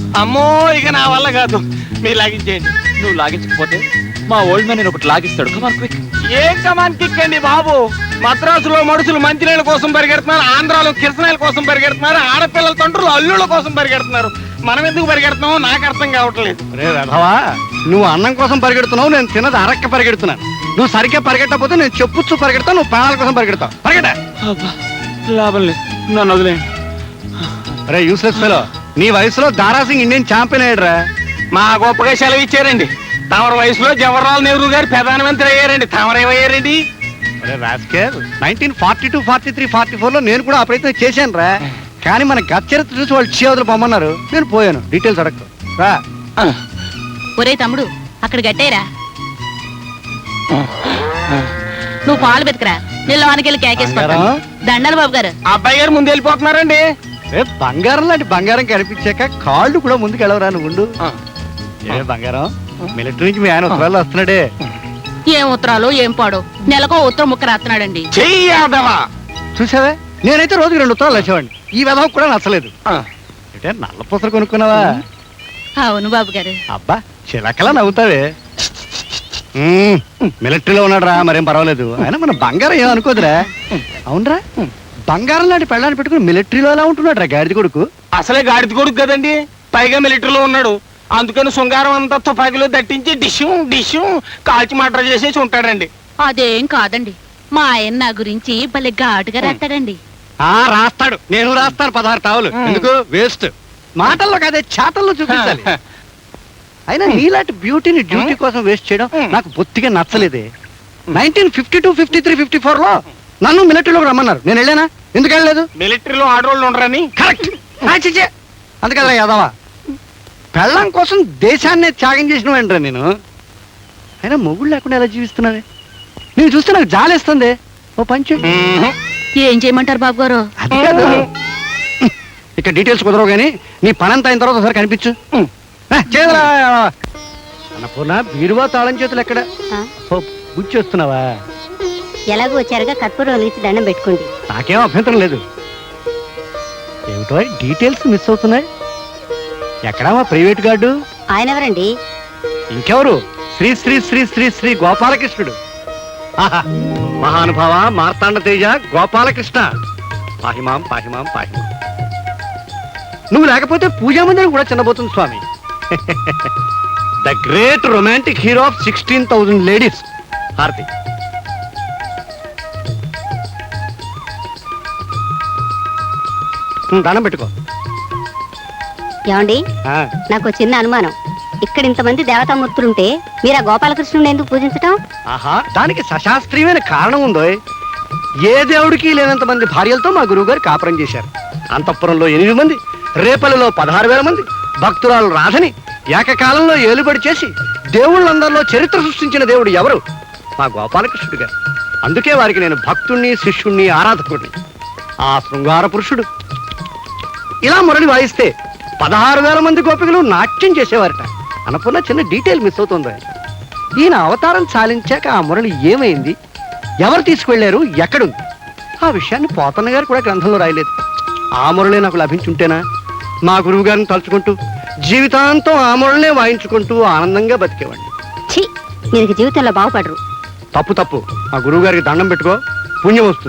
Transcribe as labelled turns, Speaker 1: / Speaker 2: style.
Speaker 1: అమ్మో ఇక నా వల్ల కాదు, మీరు లాగించేయండి.
Speaker 2: నువ్వు లాగించకపోతే మా ఓల్డ్ మ్యాన్ నేను ఒకటి లాగిస్తాడు. Come on quick.
Speaker 1: ఏం కమాన్ కిక్ అండి బాబు? మద్రాసులో మనుషులు మంచినీళ్ళ కోసం పరిగెడుతున్నారు, ఆంధ్రాలో కిరసనాయల కోసం పరిగెడుతున్నారు, ఆడపిల్లల తండ్రులు అల్లుళ్ళ కోసం పరిగెడుతున్నారు. మనం ఎందుకు పరిగెడుతున్నామో నాకు అర్థం కావట్లేదు.
Speaker 3: రే రథవా, నువ్వు అన్నం కోసం పరిగెడుతున్నావు, నేను తిన్నది అరక్క పరిగెడుతున్నాను. నువ్వు సరిగ్గా పరిగెట్టకపోతే నేను చెప్పుచ్చు పరిగెడతావు, నువ్వు ప్రాణాల కోసం పరిగెడతావు. పరిగెట.
Speaker 2: లాభం లేదు, నన్ను వదిలేయండి.
Speaker 3: రే యూస్లెస్ ఫెలో, నీ వయసులో దారాసింగ్ ఇండియన్ ఛాంపియన్ అయ్యాడురా.
Speaker 1: మా గొప్పగా సెలవు ఇచ్చారండి. తమరి వయసులో జవహర్లాల్ నెహ్రూ గారు ప్రధానమంత్రి అయ్యారండి, తమరేమయ్యారండి?
Speaker 3: 1942, 43, 44 లో నేను కూడా ఆ ప్రయత్నం చేశాను రా. కానీ మన గత చరిత్ర చూసి వాళ్ళు చేవదులు పొమ్మన్నారు, నేను పోయాను. డీటెయిల్స్ అడగదు రా.
Speaker 4: ఒరే తమ్ముడు, అక్కడ గట్టేరా. నువ్వు పాలు బతికరా, నేను లోనికి కేకేసుకుంటాను. దండాలి బాబు గారు.
Speaker 1: అబ్బాయి గారు ముందు వెళ్ళిపోతున్నారండి.
Speaker 3: బంగారం లాంటి బంగారం కనిపించాక కాళ్ళు కూడా ముందుకు వెళ్ళవరా నువ్వు. ఏ బంగారం, మిలిటరీ నుంచి మీ ఆయన ఉత్తరాలు వస్తున్నాడే.
Speaker 4: ఏం ఉత్తరాలు ఏం పాడు, నెలకో ఉత్తరం ముక్క రాస్తున్నాడండి.
Speaker 3: చూసావే, నేనైతే రోజుకి 2 ఉత్తరాలు వచ్చేవాడిని. ఈ విధం కూడా నచ్చలేదు. అంటే నల్ల పూసలు కొనుక్కున్నావా?
Speaker 4: అవును బాబు గారు.
Speaker 3: అబ్బా చిలకలా నవ్వుతావే. మిలిటరీలో ఉన్నాడు రా, మరేం పర్వాలేదు. ఆయన మన బంగారం ఏం అనుకోదురా. అవునరా, బంగారం లాంటి పెళ్ళాన్ని పెట్టుకుని మిలిటరీలో ఎలా ఉంటున్నాడు రా గాడిద కొడుకు.
Speaker 1: అసలే గాడిద కొడుకు కదండి, పైగా మిలిటరీలో ఉన్నాడు. అందుకని శృంగారం అంతా తుపాకీలో దట్టించి డిష్యూ కాల్చి మర్డర్ చేసేసి ఉంటాడండి.
Speaker 4: అదేం కాదండి, మా ఆయన నా గురించి భలే ఘాటుగా రాస్తాడండి.
Speaker 3: రాస్తాడు, నేను రాస్తాను 16 టావులు. ఎందుకు వేస్ట్? మాటల్లో కాదే, చాటల్లో చూపించాలి. అయినా నీలాంటి బ్యూటీని డ్యూటీ కోసం వేస్ట్ చేయడం నాకు బొత్తిగా నచ్చలేదే. 1952, 53, 54 లో నన్ను మిలిటరీలోకి రమ్మన్నారు, నేను వెళ్ళానా? ఎందుకు వెళ్ళలేదు?
Speaker 1: మిలిటరీలో ఆడవాళ్ళు ఉండరని.
Speaker 3: కరెక్ట్. అందుకల్లా యాదవా, పెళ్ళం కోసం దేశాన్నే త్యాగం చేసిన వెంటరా నేను. అయినా మొగుడు లేకుండా ఎలా జీవిస్తున్నావే? నేను చూస్తే నాకు జాలేస్తుంది. ఓ పంచు.
Speaker 4: ఏం చేయమంటారు బాబు గారు?
Speaker 3: అది కాదు, ఇక్కడ డీటెయిల్స్ కుదరవు కానీ నీ పనంతా అయిన తర్వాత ఒకసారి కనిపించు. అన్నపూర్ణ, బీరువా తాళం చేతులు ఎక్కడ? బుచ్చి వస్తున్నావా?
Speaker 5: ఎలాగో వచ్చారుగా కర్పూరం వెలిగించి దండం పెట్టుకోండి.
Speaker 3: నాకేం అభ్యంతరం లేదు. ఏమిటో డీటెయిల్స్ మిస్ అవుతున్నాయి. ఎక్కడా మా ప్రైవేట్ గార్డు?
Speaker 5: ఆయన ఎవరండి?
Speaker 3: ఇంకెవరు? శ్రీ శ్రీ శ్రీ శ్రీ శ్రీ గోపాలకృష్ణుడు. మహానుభావ మార్తాండ తేజ గోపాలకృష్ణ, పాహిమాం పాహిమాం పాహిమాం. నువ్వు లేకపోతే పూజా మందిరం కూడా చిన్నబోతుంది స్వామి. The great romantic hero of 16,000 ladies. హారతి. దండం పెట్టుకో.
Speaker 5: ఏమండి, నాకు చిన్న అనుమానం. ఇక్కడ ఇంతమంది దేవతామూర్తులుంటే మీరు ఆ గోపాలకృష్ణుని ఎందుకు పూజించటం?
Speaker 3: ఆహా, దానికి సశాస్త్రీయమైన కారణం ఉందో. ఏ దేవుడికి లేనంత మంది భార్యలతో మా గురువు గారు కాపురం చేశారు. అంతఃపురంలో 8 మంది, రేపల్లిలో 16,000 మంది, భక్తురాలు రాధని ఏకకాలంలో ఏలుబడి చేసి దేవుళ్ళందరిలో చరిత్ర సృష్టించిన దేవుడు ఎవరు? మా గోపాలకృష్ణుడు గారు. అందుకే వారికి నేను భక్తుణ్ణి, శిష్యుణ్ణి, ఆరాధకుడిని. ఆ శృంగార పురుషుడు ఇలా మురళి వాయిస్తే 16,000 మంది గోపికలు నాట్యం చేసేవారట. అన్నపూర్ణ, చిన్న డీటెయిల్ మిస్ అవుతుంది. ఈయన అవతారం చాలించాక ఆ మురళి ఏమైంది, ఎవరు తీసుకువెళ్లారు, ఎక్కడుంది? ఆ విషయాన్ని పోతన్న గారు కూడా గ్రంథంలో రాయలేదు. ఆ మురళి నాకు లభించుంటేనా మా గురువు గారిని తలుచుకుంటూ జీవితాంతం ఆ మురళినే వాయించుకుంటూ ఆనందంగా బతికేవాడిని.
Speaker 5: ఛీ, మీరు జీవితంలో బాగుపడరు.
Speaker 3: తప్పు. మా గురువు గారికి దండం పెట్టుకో, పుణ్యం వస్తుంది.